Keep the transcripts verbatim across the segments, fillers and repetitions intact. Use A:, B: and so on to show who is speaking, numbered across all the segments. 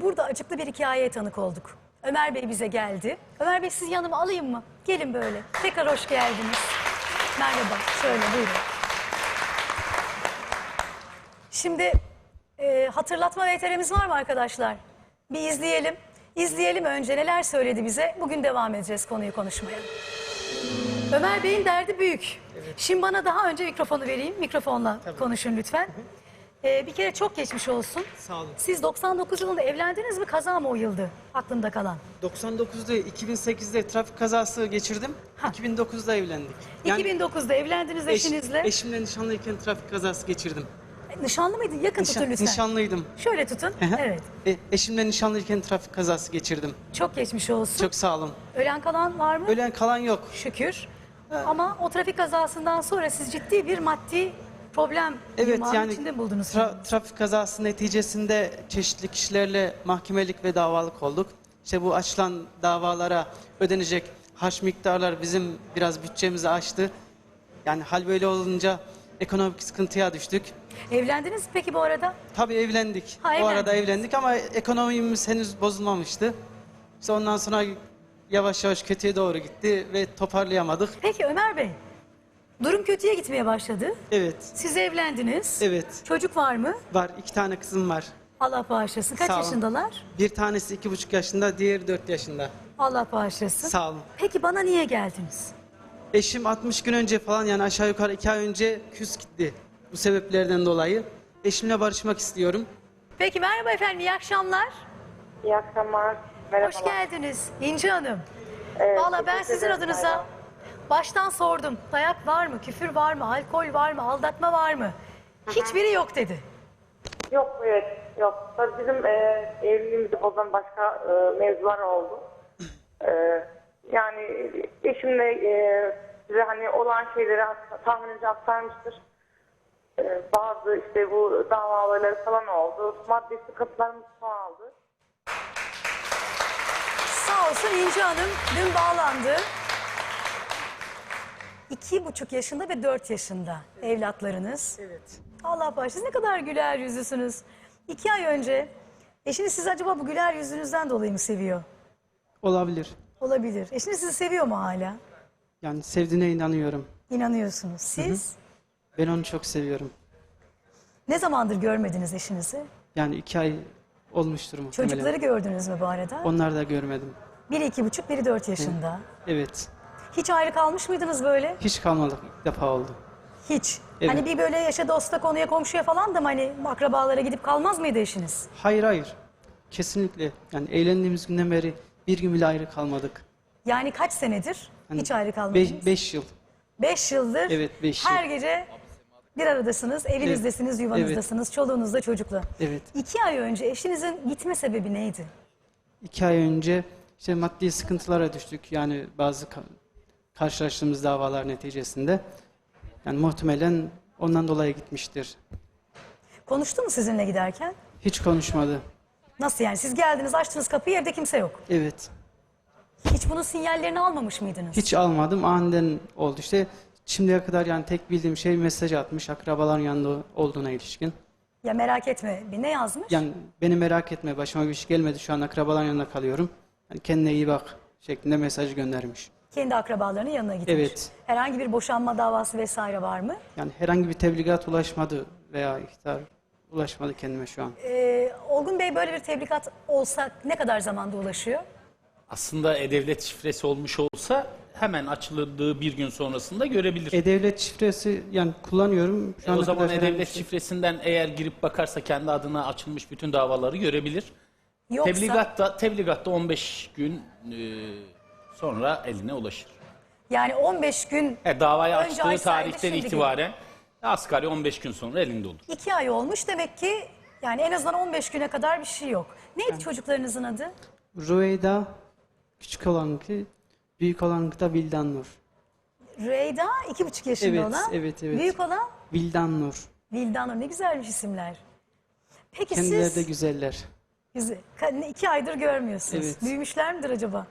A: burada acıklı bir hikayeye tanık olduk. Ömer Bey bize geldi. Ömer Bey sizi yanıma alayım mı? Gelin böyle. Tekrar hoş geldiniz. Merhaba. Şöyle buyurun. Şimdi e, hatırlatma V T R'miz var mı arkadaşlar? Bir izleyelim. İzleyelim önce neler söyledi bize. Bugün devam edeceğiz konuyu konuşmaya. Ömer Bey'in derdi büyük. Evet. Şimdi bana daha önce mikrofonu vereyim. Mikrofonla Tabii. konuşun lütfen. Ee, bir kere çok geçmiş olsun.
B: Sağ olun.
A: Siz doksan dokuz yılında evlendiniz mi? Kaza mı o yıldı? Aklımda kalan.
B: doksan dokuzda iki bin sekizde trafik kazası geçirdim. Ha. iki bin dokuzda evlendik.
A: Yani iki bin dokuzda evlendiniz
B: eş,
A: eşinizle.
B: Eşimle nişanlıyken trafik kazası geçirdim.
A: Nişanlı mıydın? Yakın
B: Nişan,
A: tutun lütfen.
B: Nişanlıydım.
A: Şöyle tutun. Evet.
B: E, eşimle nişanlıyken trafik kazası geçirdim.
A: Çok geçmiş olsun.
B: Çok sağ olun.
A: Ölen kalan var mı?
B: Ölen kalan yok.
A: Şükür. Ha. Ama o trafik kazasından sonra siz ciddi bir maddi problem
B: evet,
A: yani içinde buldunuz.
B: Tra trafik kazası neticesinde çeşitli kişilerle mahkemelik ve davalık olduk. İşte bu açılan davalara ödenecek harç miktarlar bizim biraz bütçemizi aştı. Yani hal böyle olunca ekonomik sıkıntıya düştük.
A: Evlendiniz mi peki bu arada?
B: Tabii evlendik.
A: Ha,
B: o
A: evlendik.
B: arada evlendik ama ekonomimiz henüz bozulmamıştı. İşte ondan sonra yavaş yavaş kötüye doğru gitti ve toparlayamadık.
A: Peki Ömer Bey, durum kötüye gitmeye başladı.
B: Evet.
A: Siz evlendiniz.
B: Evet.
A: Çocuk var mı?
B: Var. İki tane kızım var.
A: Allah bağışlasın. Kaç
B: Sağ olun.
A: yaşındalar?
B: Bir tanesi iki buçuk yaşında, diğeri dört yaşında.
A: Allah bağışlasın.
B: Sağ olun.
A: Peki bana niye geldiniz?
B: Eşim altmış gün önce falan yani aşağı yukarı iki ay önce küs gitti. Bu sebeplerden dolayı. Eşimle barışmak istiyorum.
A: Peki merhaba efendim, iyi akşamlar.
C: İyi akşamlar. Merhabalar.
A: Hoş geldiniz İnci Hanım.
C: Evet,
A: Valla ben
C: teşekkür
A: sizin
C: ederim,
A: adınıza
C: merhaba.
A: baştan sordum. Dayak var mı, küfür var mı, alkol var mı, aldatma var mı? Hiçbiri yok dedi.
C: Yok, evet, yok. Tabii bizim e, evliliğimizi bozan başka e, mevzular oldu. E, yani eşimle e, size hani olan şeyleri tahminince aktarmıştır. E, bazı işte bu davaları falan oldu. Maddi sıkıntılarımız çoğaldı.
A: Sağ olsun İnci Hanım dün bağlandı. İki buçuk yaşında ve dört yaşında evlatlarınız.
B: Evet.
A: Allah bağışlasın, ne kadar güler yüzlüsünüz. İki ay önce eşiniz sizi acaba bu güler yüzünüzden dolayı mı seviyor?
B: Olabilir.
A: Olabilir. Eşiniz sizi seviyor mu hala?
B: Yani sevdiğine inanıyorum.
A: İnanıyorsunuz. Siz?
B: Hı hı. Ben onu çok seviyorum.
A: Ne zamandır görmediniz eşinizi?
B: Yani iki ay olmuştur muhtemelen.
A: Çocukları gördünüz mü bu arada?
B: Onları da görmedim.
A: Biri iki buçuk, biri dört yaşında.
B: Evet.
A: Hiç ayrı kalmış mıydınız böyle?
B: Hiç kalmadık. İlk defa oldu.
A: Hiç.
B: Evet.
A: Hani bir böyle yaşa dosta konuya komşuya falan da mı hani akrabalara gidip kalmaz mıydı eşiniz?
B: Hayır hayır. Kesinlikle. Yani evlendiğimiz günden beri bir gün bile ayrı kalmadık.
A: Yani kaç senedir
B: Hani
A: hiç ayrı kalmadınız?
B: Beş, beş yıl.
A: Beş yıldır
B: Evet, beş
A: her
B: yıl.
A: gece bir aradasınız, evinizdesiniz, yuvanızdasınız, çoluğunuzda çocukla.
B: Evet.
A: İki ay önce eşinizin gitme sebebi neydi?
B: İki ay önce işte maddi sıkıntılara düştük. Yani bazı ka- karşılaştığımız davalar neticesinde. Yani muhtemelen ondan dolayı gitmiştir.
A: Konuştu mu sizinle giderken?
B: Hiç konuşmadı.
A: Nasıl yani? Siz geldiniz, açtınız kapıyı, evde kimse yok.
B: Evet.
A: Hiç bunun sinyallerini almamış mıydınız?
B: Hiç almadım. Aniden oldu. İşte şimdiye kadar yani tek bildiğim şey mesaj atmış akrabaların yanında olduğuna ilişkin.
A: Ya merak etme. Bir ne yazmış?
B: Yani beni merak etme, başıma bir şey gelmedi, şu an akrabaların yanında kalıyorum. Yani kendine iyi bak şeklinde mesaj göndermiş.
A: Kendi akrabalarının yanına gitmiş.
B: Evet.
A: Herhangi bir boşanma davası vesaire var mı?
B: Yani herhangi bir tebligat ulaşmadı veya ihtar ulaşmadı kendime şu an.
A: Ee, Olgun Bey, böyle bir tebligat olsa ne kadar zamanda ulaşıyor?
D: Aslında e-devlet şifresi olmuş olsa hemen açıldığı bir gün sonrasında görebilir.
B: E-Devlet şifresi yani kullanıyorum. Şu
D: E,
B: ana
D: o zaman
B: kadar herhangi bir
D: e-devlet
B: şey-
D: şifresinden eğer girip bakarsa kendi adına açılmış bütün davaları görebilir.
A: Yoksa
D: Tebligatta, tebligatta on beş gün e, sonra eline ulaşır.
A: yani on beş gün
D: E, davayı
A: Önce
D: açtığı
A: açsaydı,
D: tarihten
A: şimdi
D: itibaren asgari on beş gün sonra elinde olur.
A: iki ay olmuş demek ki, yani en azından on beş güne kadar bir şey yok. Neydi çocuklarınızın adı?
B: Rüveyda küçük olanınki, büyük olanınki da Vildan Nur.
A: Reyda iki buçuk yaşında
B: Evet,
A: olan.
B: evet, evet.
A: Büyük olan
B: Vildan Nur.
A: Vildan Nur. Ne güzelmiş isimler. Peki
B: Kendileri de
A: siz
B: güzeller.
A: Güzel. Ka- iki aydır görmüyorsunuz.
B: Evet.
A: Büyümüşler midir acaba?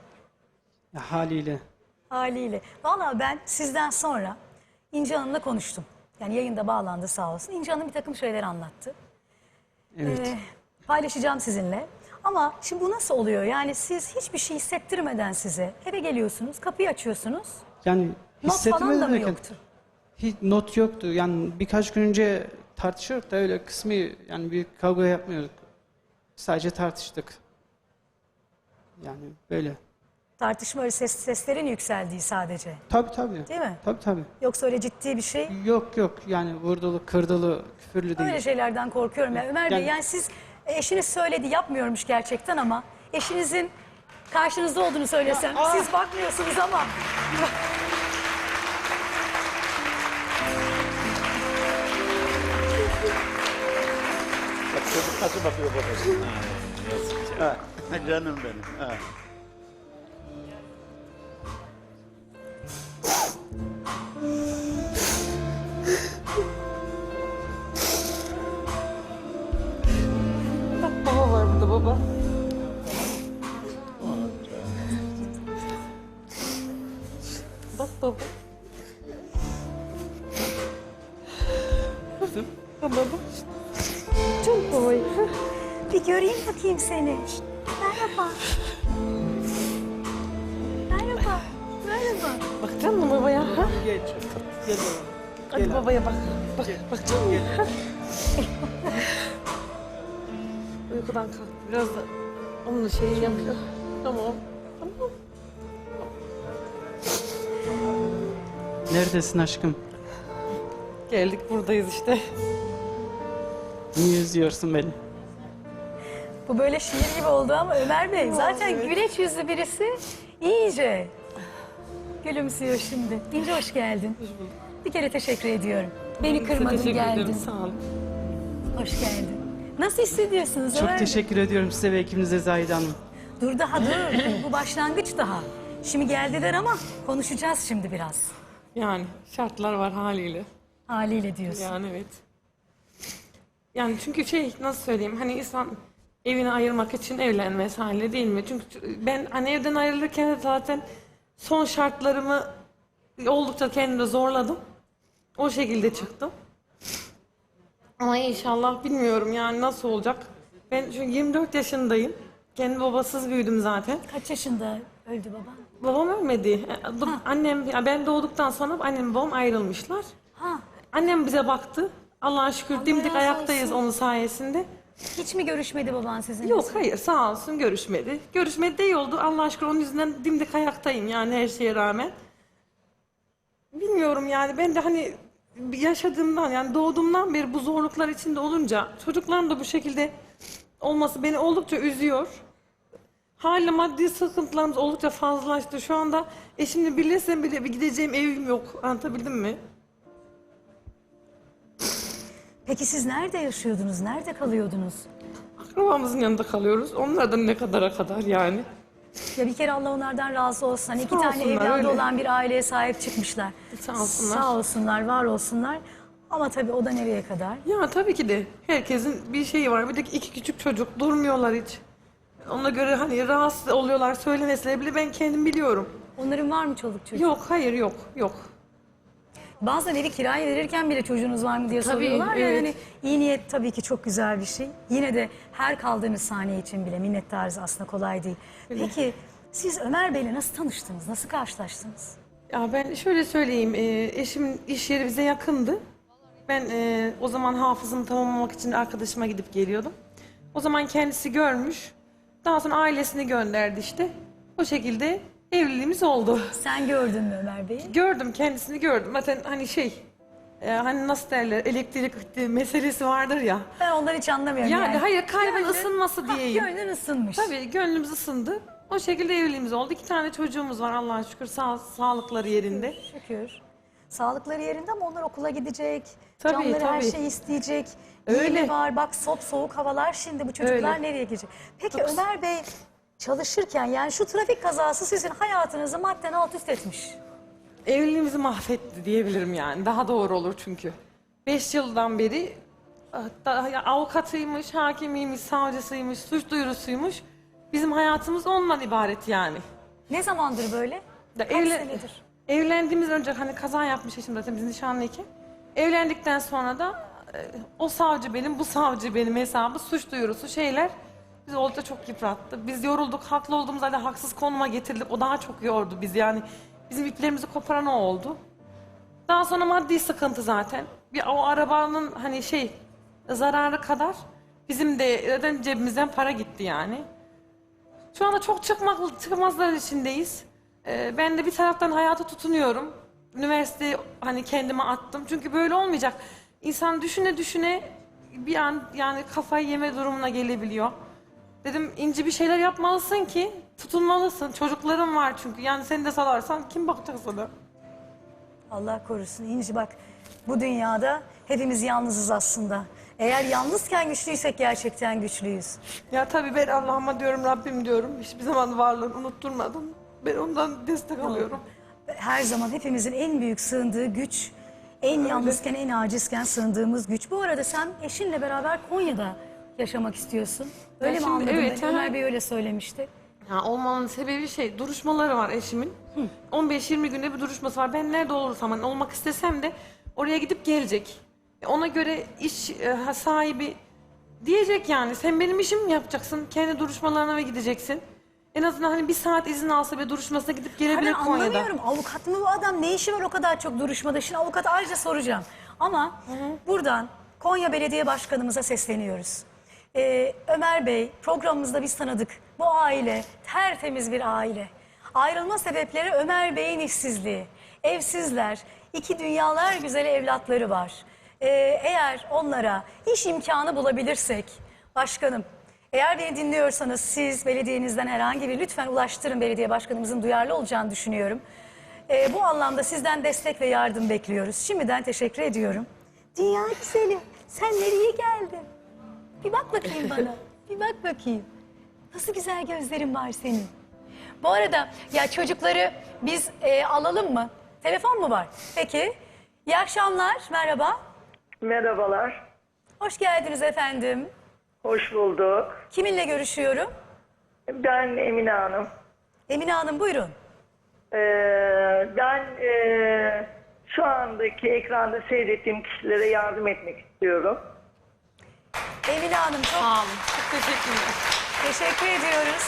B: Ya, haliyle.
A: Haliyle. Vallahi ben sizden sonra İnci Hanım'la konuştum. Yani yayında bağlandı sağ olsun. İnci Hanım bir takım şeyler anlattı.
B: Evet.
A: Ee, paylaşacağım sizinle. Ama şimdi bu nasıl oluyor? Yani siz hiçbir şey hissettirmeden size eve geliyorsunuz, kapıyı açıyorsunuz.
B: Yani
A: Not falan da mı
B: hissetmedim.
A: yoktu?
B: Hiç not yoktu. Yani birkaç gün önce tartışıyorduk da öyle kısmi yani büyük kavga yapmıyorduk. Sadece tartıştık. Yani böyle.
A: Tartışma öyle ses, seslerin yükseldiği sadece.
B: Tabii tabii.
A: Değil mi?
B: Tabii tabii.
A: Yoksa öyle ciddi bir şey.
B: Yok yok yani vurdulu, kırdılı, küfürlü değil.
A: Öyle şeylerden korkuyorum. Yani Ömer Bey
B: Yani-
A: yani siz eşiniz söyledi yapmıyormuş gerçekten ama eşinizin karşınızda olduğunu söylesem siz bakmıyorsunuz ama
D: Bak çocuk nasıl bakıyor babasına. Ha, yazık ya.
E: Ha, canım benim. Ha.
F: Bak baba var burada baba. Bak baba. Bak baba. Çok babayı.
A: bir göreyim bakayım seni. Merhaba. Merhaba. Merhaba.
F: Bakacaksın mı babaya? Ha?
B: Geç. Gel oğlum.
F: Hadi babaya bak. Bak, bakacaksın mı? Ha? Uykudan kalk. Biraz da onun şeyi yapıyor. Tamam. Tamam.
B: Neredesin aşkım?
F: Geldik buradayız işte.
B: Niye üzüyorsun beni?
A: Bu böyle şiir gibi oldu ama Ömer Bey zaten güleç yüzlü birisi iyice gülümsüyor şimdi. İnce hoş geldin. Bir kere teşekkür ediyorum. Beni kırmadın
F: Teşekkür
A: geldin.
F: ederim. Sağ olun.
A: Hoş geldin. Nasıl hissediyorsunuz
B: Çok
A: Ömer Bey?
B: teşekkür ediyorum size ve ekibinize Zahide Hanım.
A: Dur daha dur. Bu başlangıç daha. Şimdi geldiler ama konuşacağız şimdi biraz.
F: Yani şartlar var haliyle.
A: Haliyle diyorsun.
F: Yani evet. Yani çünkü şey nasıl söyleyeyim hani insan evini ayırmak için evlenmesi hali değil mi? Çünkü ben hani evden ayrılırken de zaten son şartlarımı oldukça kendime zorladım. O şekilde çıktım. Ama inşallah bilmiyorum yani nasıl olacak. Ben çünkü yirmi dört yaşındayım. Kendi babasız büyüdüm zaten.
A: Kaç yaşında öldü baban?
F: Babam ölmedi. E, Annem, ya ben doğduktan sonra annem babam ayrılmışlar.
A: Ha,
F: Annem bize baktı. Allah'a şükür dimdik
A: razı
F: ayaktayız
A: olsun.
F: onun sayesinde.
A: hiç mi görüşmedi baban sizinle?
F: Yok hayır sağ olsun görüşmedi. Görüşmedi de iyi oldu. Allah'a şükür onun yüzünden dimdik ayaktayım yani her şeye rağmen. Bilmiyorum yani ben de hani yaşadığımdan yani doğduğumdan beri bu zorluklar içinde olunca çocukların da bu şekilde olması beni oldukça üzüyor. Hala maddi sıkıntılarımız oldukça fazlalaştı. Şu anda eşimle birleşsem bile bir gideceğim evim yok. Anlatabildim mi?
A: Peki siz nerede yaşıyordunuz? Nerede kalıyordunuz?
F: Akrabamızın yanında kalıyoruz. Onlardan ne kadara kadar yani.
A: Ya bir kere Allah onlardan razı olsun. Hani iki
F: Sağ
A: tane
F: olsunlar,
A: evladı
F: öyle.
A: olan bir aileye sahip çıkmışlar.
F: Sağ olsunlar.
A: Sağ olsunlar, var olsunlar. Ama tabii o da nereye kadar?
F: Ya tabii ki de herkesin bir şeyi var. Bir de iki küçük çocuk durmuyorlar hiç. Ona göre hani rahatsız oluyorlar söylemeseler bile ben kendim biliyorum.
A: Onların var mı çoluk çocuk?
F: Yok hayır yok yok.
A: Bazen evi kiraya verirken bile çocuğunuz var mı diye
F: Tabii,
A: soruyorlar ya.
F: evet.
A: Yani iyi niyet tabii ki çok güzel bir şey. Yine de her kaldığınız saniye için bile minnettarız aslında kolay değil. Peki siz Ömer Bey'le nasıl tanıştınız? Nasıl karşılaştınız?
F: Ya ben şöyle söyleyeyim, e, eşimin iş yeri bize yakındı. Ben e, o zaman hafızımı tamamlamak için arkadaşıma gidip geliyordum. O zaman kendisi görmüş. Daha sonra ailesini gönderdi işte. O şekilde evliliğimiz oldu.
A: Sen gördün mü Ömer Bey'i?
F: Gördüm, kendisini gördüm. Zaten hani şey, e, hani nasıl derler, elektrik meselesi vardır ya.
A: Ben onları hiç anlamıyorum.
F: Yani, hayır, kalbin
A: Gönlün-
F: ısınması
A: Ha,
F: diyeyim.
A: Gönlün ısınmış.
F: Tabii gönlümüz ısındı. O şekilde evliliğimiz oldu. İki tane çocuğumuz var Allah'a şükür. Sağ, sağlıkları yerinde.
A: Şükür. Sağlıkları yerinde ama onlar okula gidecek.
F: Tabii,
A: Canları her
F: tabii.
A: şeyi isteyecek.
F: Öyle.
A: Öyle var. Bak sop soğuk havalar şimdi bu çocuklar
F: Öyle.
A: nereye gidecek? Peki Ömer Bey çalışırken yani şu trafik kazası sizin hayatınızı madden alt üst etmiş.
F: Evliliğimizi mahvetti diyebilirim yani. Daha doğru olur çünkü. Beş yıldan beri hatta ya avukatıymış, hakimiymiş, savcısıymış, suç duyurusuymuş. Bizim hayatımız ondan ibaret yani.
A: Ne zamandır böyle?
F: Da
A: Kaç
F: evlen-
A: senedir?
F: Evlendiğimiz önce hani kaza yapmış eşim zaten biz nişanlıyken. Evlendikten sonra da e, o savcı benim, bu savcı benim hesabı, suç duyurusu şeyler Bizi oldukça çok yıprattı. Biz yorulduk, haklı olduğumuz halde haksız konuma getirildik. O daha çok yordu bizi yani. Bizim iplerimizi koparan o oldu. Daha sonra maddi sıkıntı zaten. Bir o arabanın hani şey zararı kadar bizim de zaten cebimizden para gitti yani. Şu anda çok çıkmak, çıkmazlar içindeyiz. Ee, ben de bir taraftan hayata tutunuyorum. Üniversiteyi hani kendime attım. Çünkü böyle olmayacak. İnsan düşüne düşüne bir an yani kafayı yeme durumuna gelebiliyor. Dedim İnci bir şeyler yapmalısın ki tutunmalısın. Çocukların var çünkü. Yani seni de salarsan kim bakacak sana?
A: Allah korusun İnci, bak bu dünyada hepimiz yalnızız aslında. Eğer yalnızken güçlüysek gerçekten güçlüyüz.
F: Ya tabii ben Allah'ıma diyorum, Rabbim diyorum. Hiçbir zaman varlığını unutturmadım. Ben ondan destek alıyorum.
A: Her zaman hepimizin en büyük sığındığı güç, en yalnızken, en acizken sığındığımız güç. Bu arada sen eşinle beraber Konya'da yaşamak istiyorsun. Öyle
F: Ya
A: mi
F: şimdi
A: anladım
F: evet,
A: ben?
F: ha.
A: Ömer Bey öyle söylemişti.
F: Ya olmanın sebebi şey, duruşmaları var eşimin. on beş yirmi günde bir duruşması var. Ben nerede olursam, hani olmak istesem de oraya gidip gelecek. E, Ona göre iş e, sahibi diyecek yani, sen benim işimi mi yapacaksın? Kendi duruşmalarına ve gideceksin. En azından hani bir saat izin alsa ve duruşmasına gidip gelebilir
A: Ben
F: Konya'da.
A: anlamıyorum. Avukat mı bu adam? Ne işi var o kadar çok duruşmada? Şimdi avukata ayrıca soracağım. Ama buradan Konya Belediye Başkanımıza sesleniyoruz. Ee, Ömer Bey, programımızda biz tanıdık. Bu aile tertemiz bir aile. Ayrılma sebepleri Ömer Bey'in işsizliği. Evsizler, iki dünyalar güzeli evlatları var. Ee, eğer onlara iş imkanı bulabilirsek, başkanım, eğer beni dinliyorsanız siz belediyenizden herhangi bir lütfen ulaştırın, belediye başkanımızın duyarlı olacağını düşünüyorum. Ee, bu anlamda sizden destek ve yardım bekliyoruz. Şimdiden teşekkür ediyorum. Dünya güzeli, sen nereye geldin? Bir bak bakayım bana, bir bak bakayım. Nasıl güzel gözlerin var senin. Bu arada ya çocukları biz e, alalım mı? Telefon mu var? Peki. İyi akşamlar, merhaba.
C: Merhabalar.
A: Hoş geldiniz efendim.
C: Hoş bulduk.
A: Kiminle görüşüyorum?
C: Ben Emine Hanım.
A: Emine Hanım buyurun.
C: Ee, ben e, şu andaki ekranda seyrettiğim kişilere yardım etmek istiyorum.
A: Emine Hanım çok
F: Sağ olun. Çok teşekkürler.
A: teşekkür ediyoruz.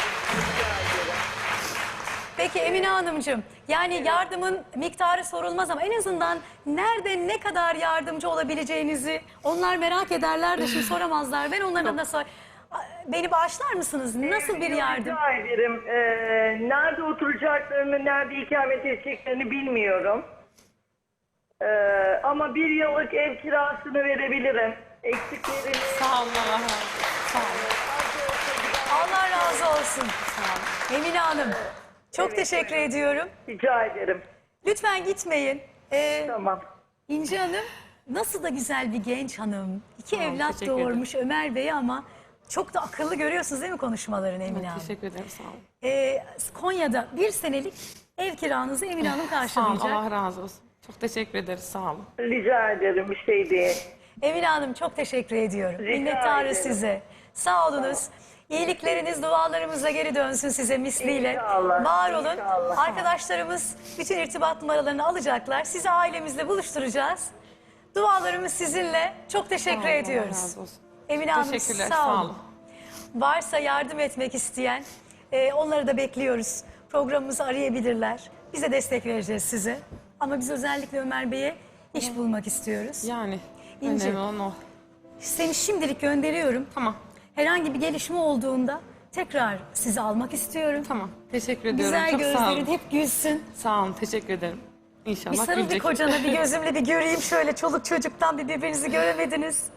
A: Peki Emine Hanımcığım, yani yardımın miktarı sorulmaz ama en azından nerede ne kadar yardımcı olabileceğinizi onlar merak ederler de şimdi soramazlar. Ben onların adına sor. Beni bağışlar mısınız? Nasıl bir yardım?
C: Rica ederim. Ee, nerede oturacaklarını, nerede ikamet edeceklerini bilmiyorum. Ee, ama bir yıllık ev kirasını verebilirim. Eksiklerini...
F: Sağ olun, Allah razı olsun. Sağ olun.
A: Allah razı olsun. Emine Hanım, çok teşekkür ediyorum.
C: Rica ederim.
A: Lütfen gitmeyin. Ee,
C: Tamam.
A: İnci Hanım nasıl da güzel bir genç hanım. İki
F: Tamam,
A: evlat
F: teşekkür ederim.
A: doğurmuş Ömer Bey ama çok da akıllı, görüyorsunuz değil mi konuşmalarını Emine Hanım?
F: Teşekkür ederim, sağ olun.
A: Ee, Konya'da bir senelik ev kiranızı Emine Hanım
F: Sağ olun,
A: karşılayacak.
F: Allah razı olsun. Çok teşekkür ederiz, sağ olun.
C: Rica ederim. Bir şey değil.
A: Emine Hanım çok teşekkür ediyorum.
C: Rica
A: Minnettarız
C: ederim.
A: size. Sağ olunuz. İyilikleriniz dualarımızla geri dönsün size misliyle.
C: İnşallah,
A: Var olun.
C: inşallah.
A: Arkadaşlarımız bütün irtibat numaralarını alacaklar. Sizi ailemizle buluşturacağız. Dualarımız sizinle. Çok teşekkür
F: Sağ olun, Allah
A: ediyoruz.
F: razı olsun.
A: Emine Hanım
F: Teşekkürler,
A: sağ olun.
F: sağ olun.
A: Varsa yardım etmek isteyen e, onları da bekliyoruz. Programımızı arayabilirler. Bize destek vereceğiz size. Ama biz özellikle Ömer Bey'e iş bulmak istiyoruz.
F: Yani
A: İnci.
F: önemli olan o.
A: Seni şimdilik gönderiyorum.
F: Tamam,
A: Herhangi bir gelişme olduğunda tekrar sizi almak istiyorum.
F: tamam. Teşekkür ediyorum.
A: Güzel
F: Çok sağ olun.
A: gözlerin hep gülsün.
F: Sağ olun, teşekkür ederim. İnşallah
A: Bir sarıl bir
F: gülecek.
A: kocana, bir gözümle bir göreyim şöyle. Çoluk çocuktan bir birbirinizi göremediniz.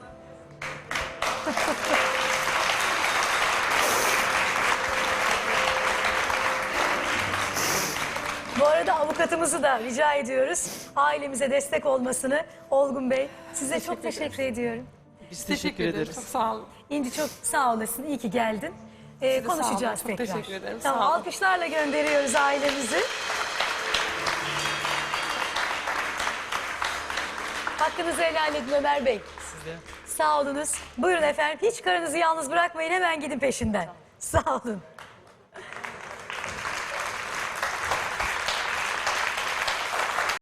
A: Bu arada avukatımızı da rica ediyoruz. Ailemize destek olmasını. Olgun Bey, size çok teşekkür ediyorum.
B: Biz
F: Teşekkür,
B: teşekkür
F: ederim.
B: ederiz.
F: Çok sağ olun.
A: İnci çok sağ olasın. İyi ki geldin. Ee,
F: Siz de sağ olun.
A: konuşacağız
F: Çok
A: tekrar.
F: teşekkür ederim.
A: Tamam,
F: Sağ olun.
A: alkışlarla gönderiyoruz ailemizi. Hakkınızı helal edin Ömer Bey.
B: Size.
A: Sağ olunuz. Buyurun efendim. Hiç karınızı yalnız bırakmayın. Hemen gidin peşinden. Sağ olun.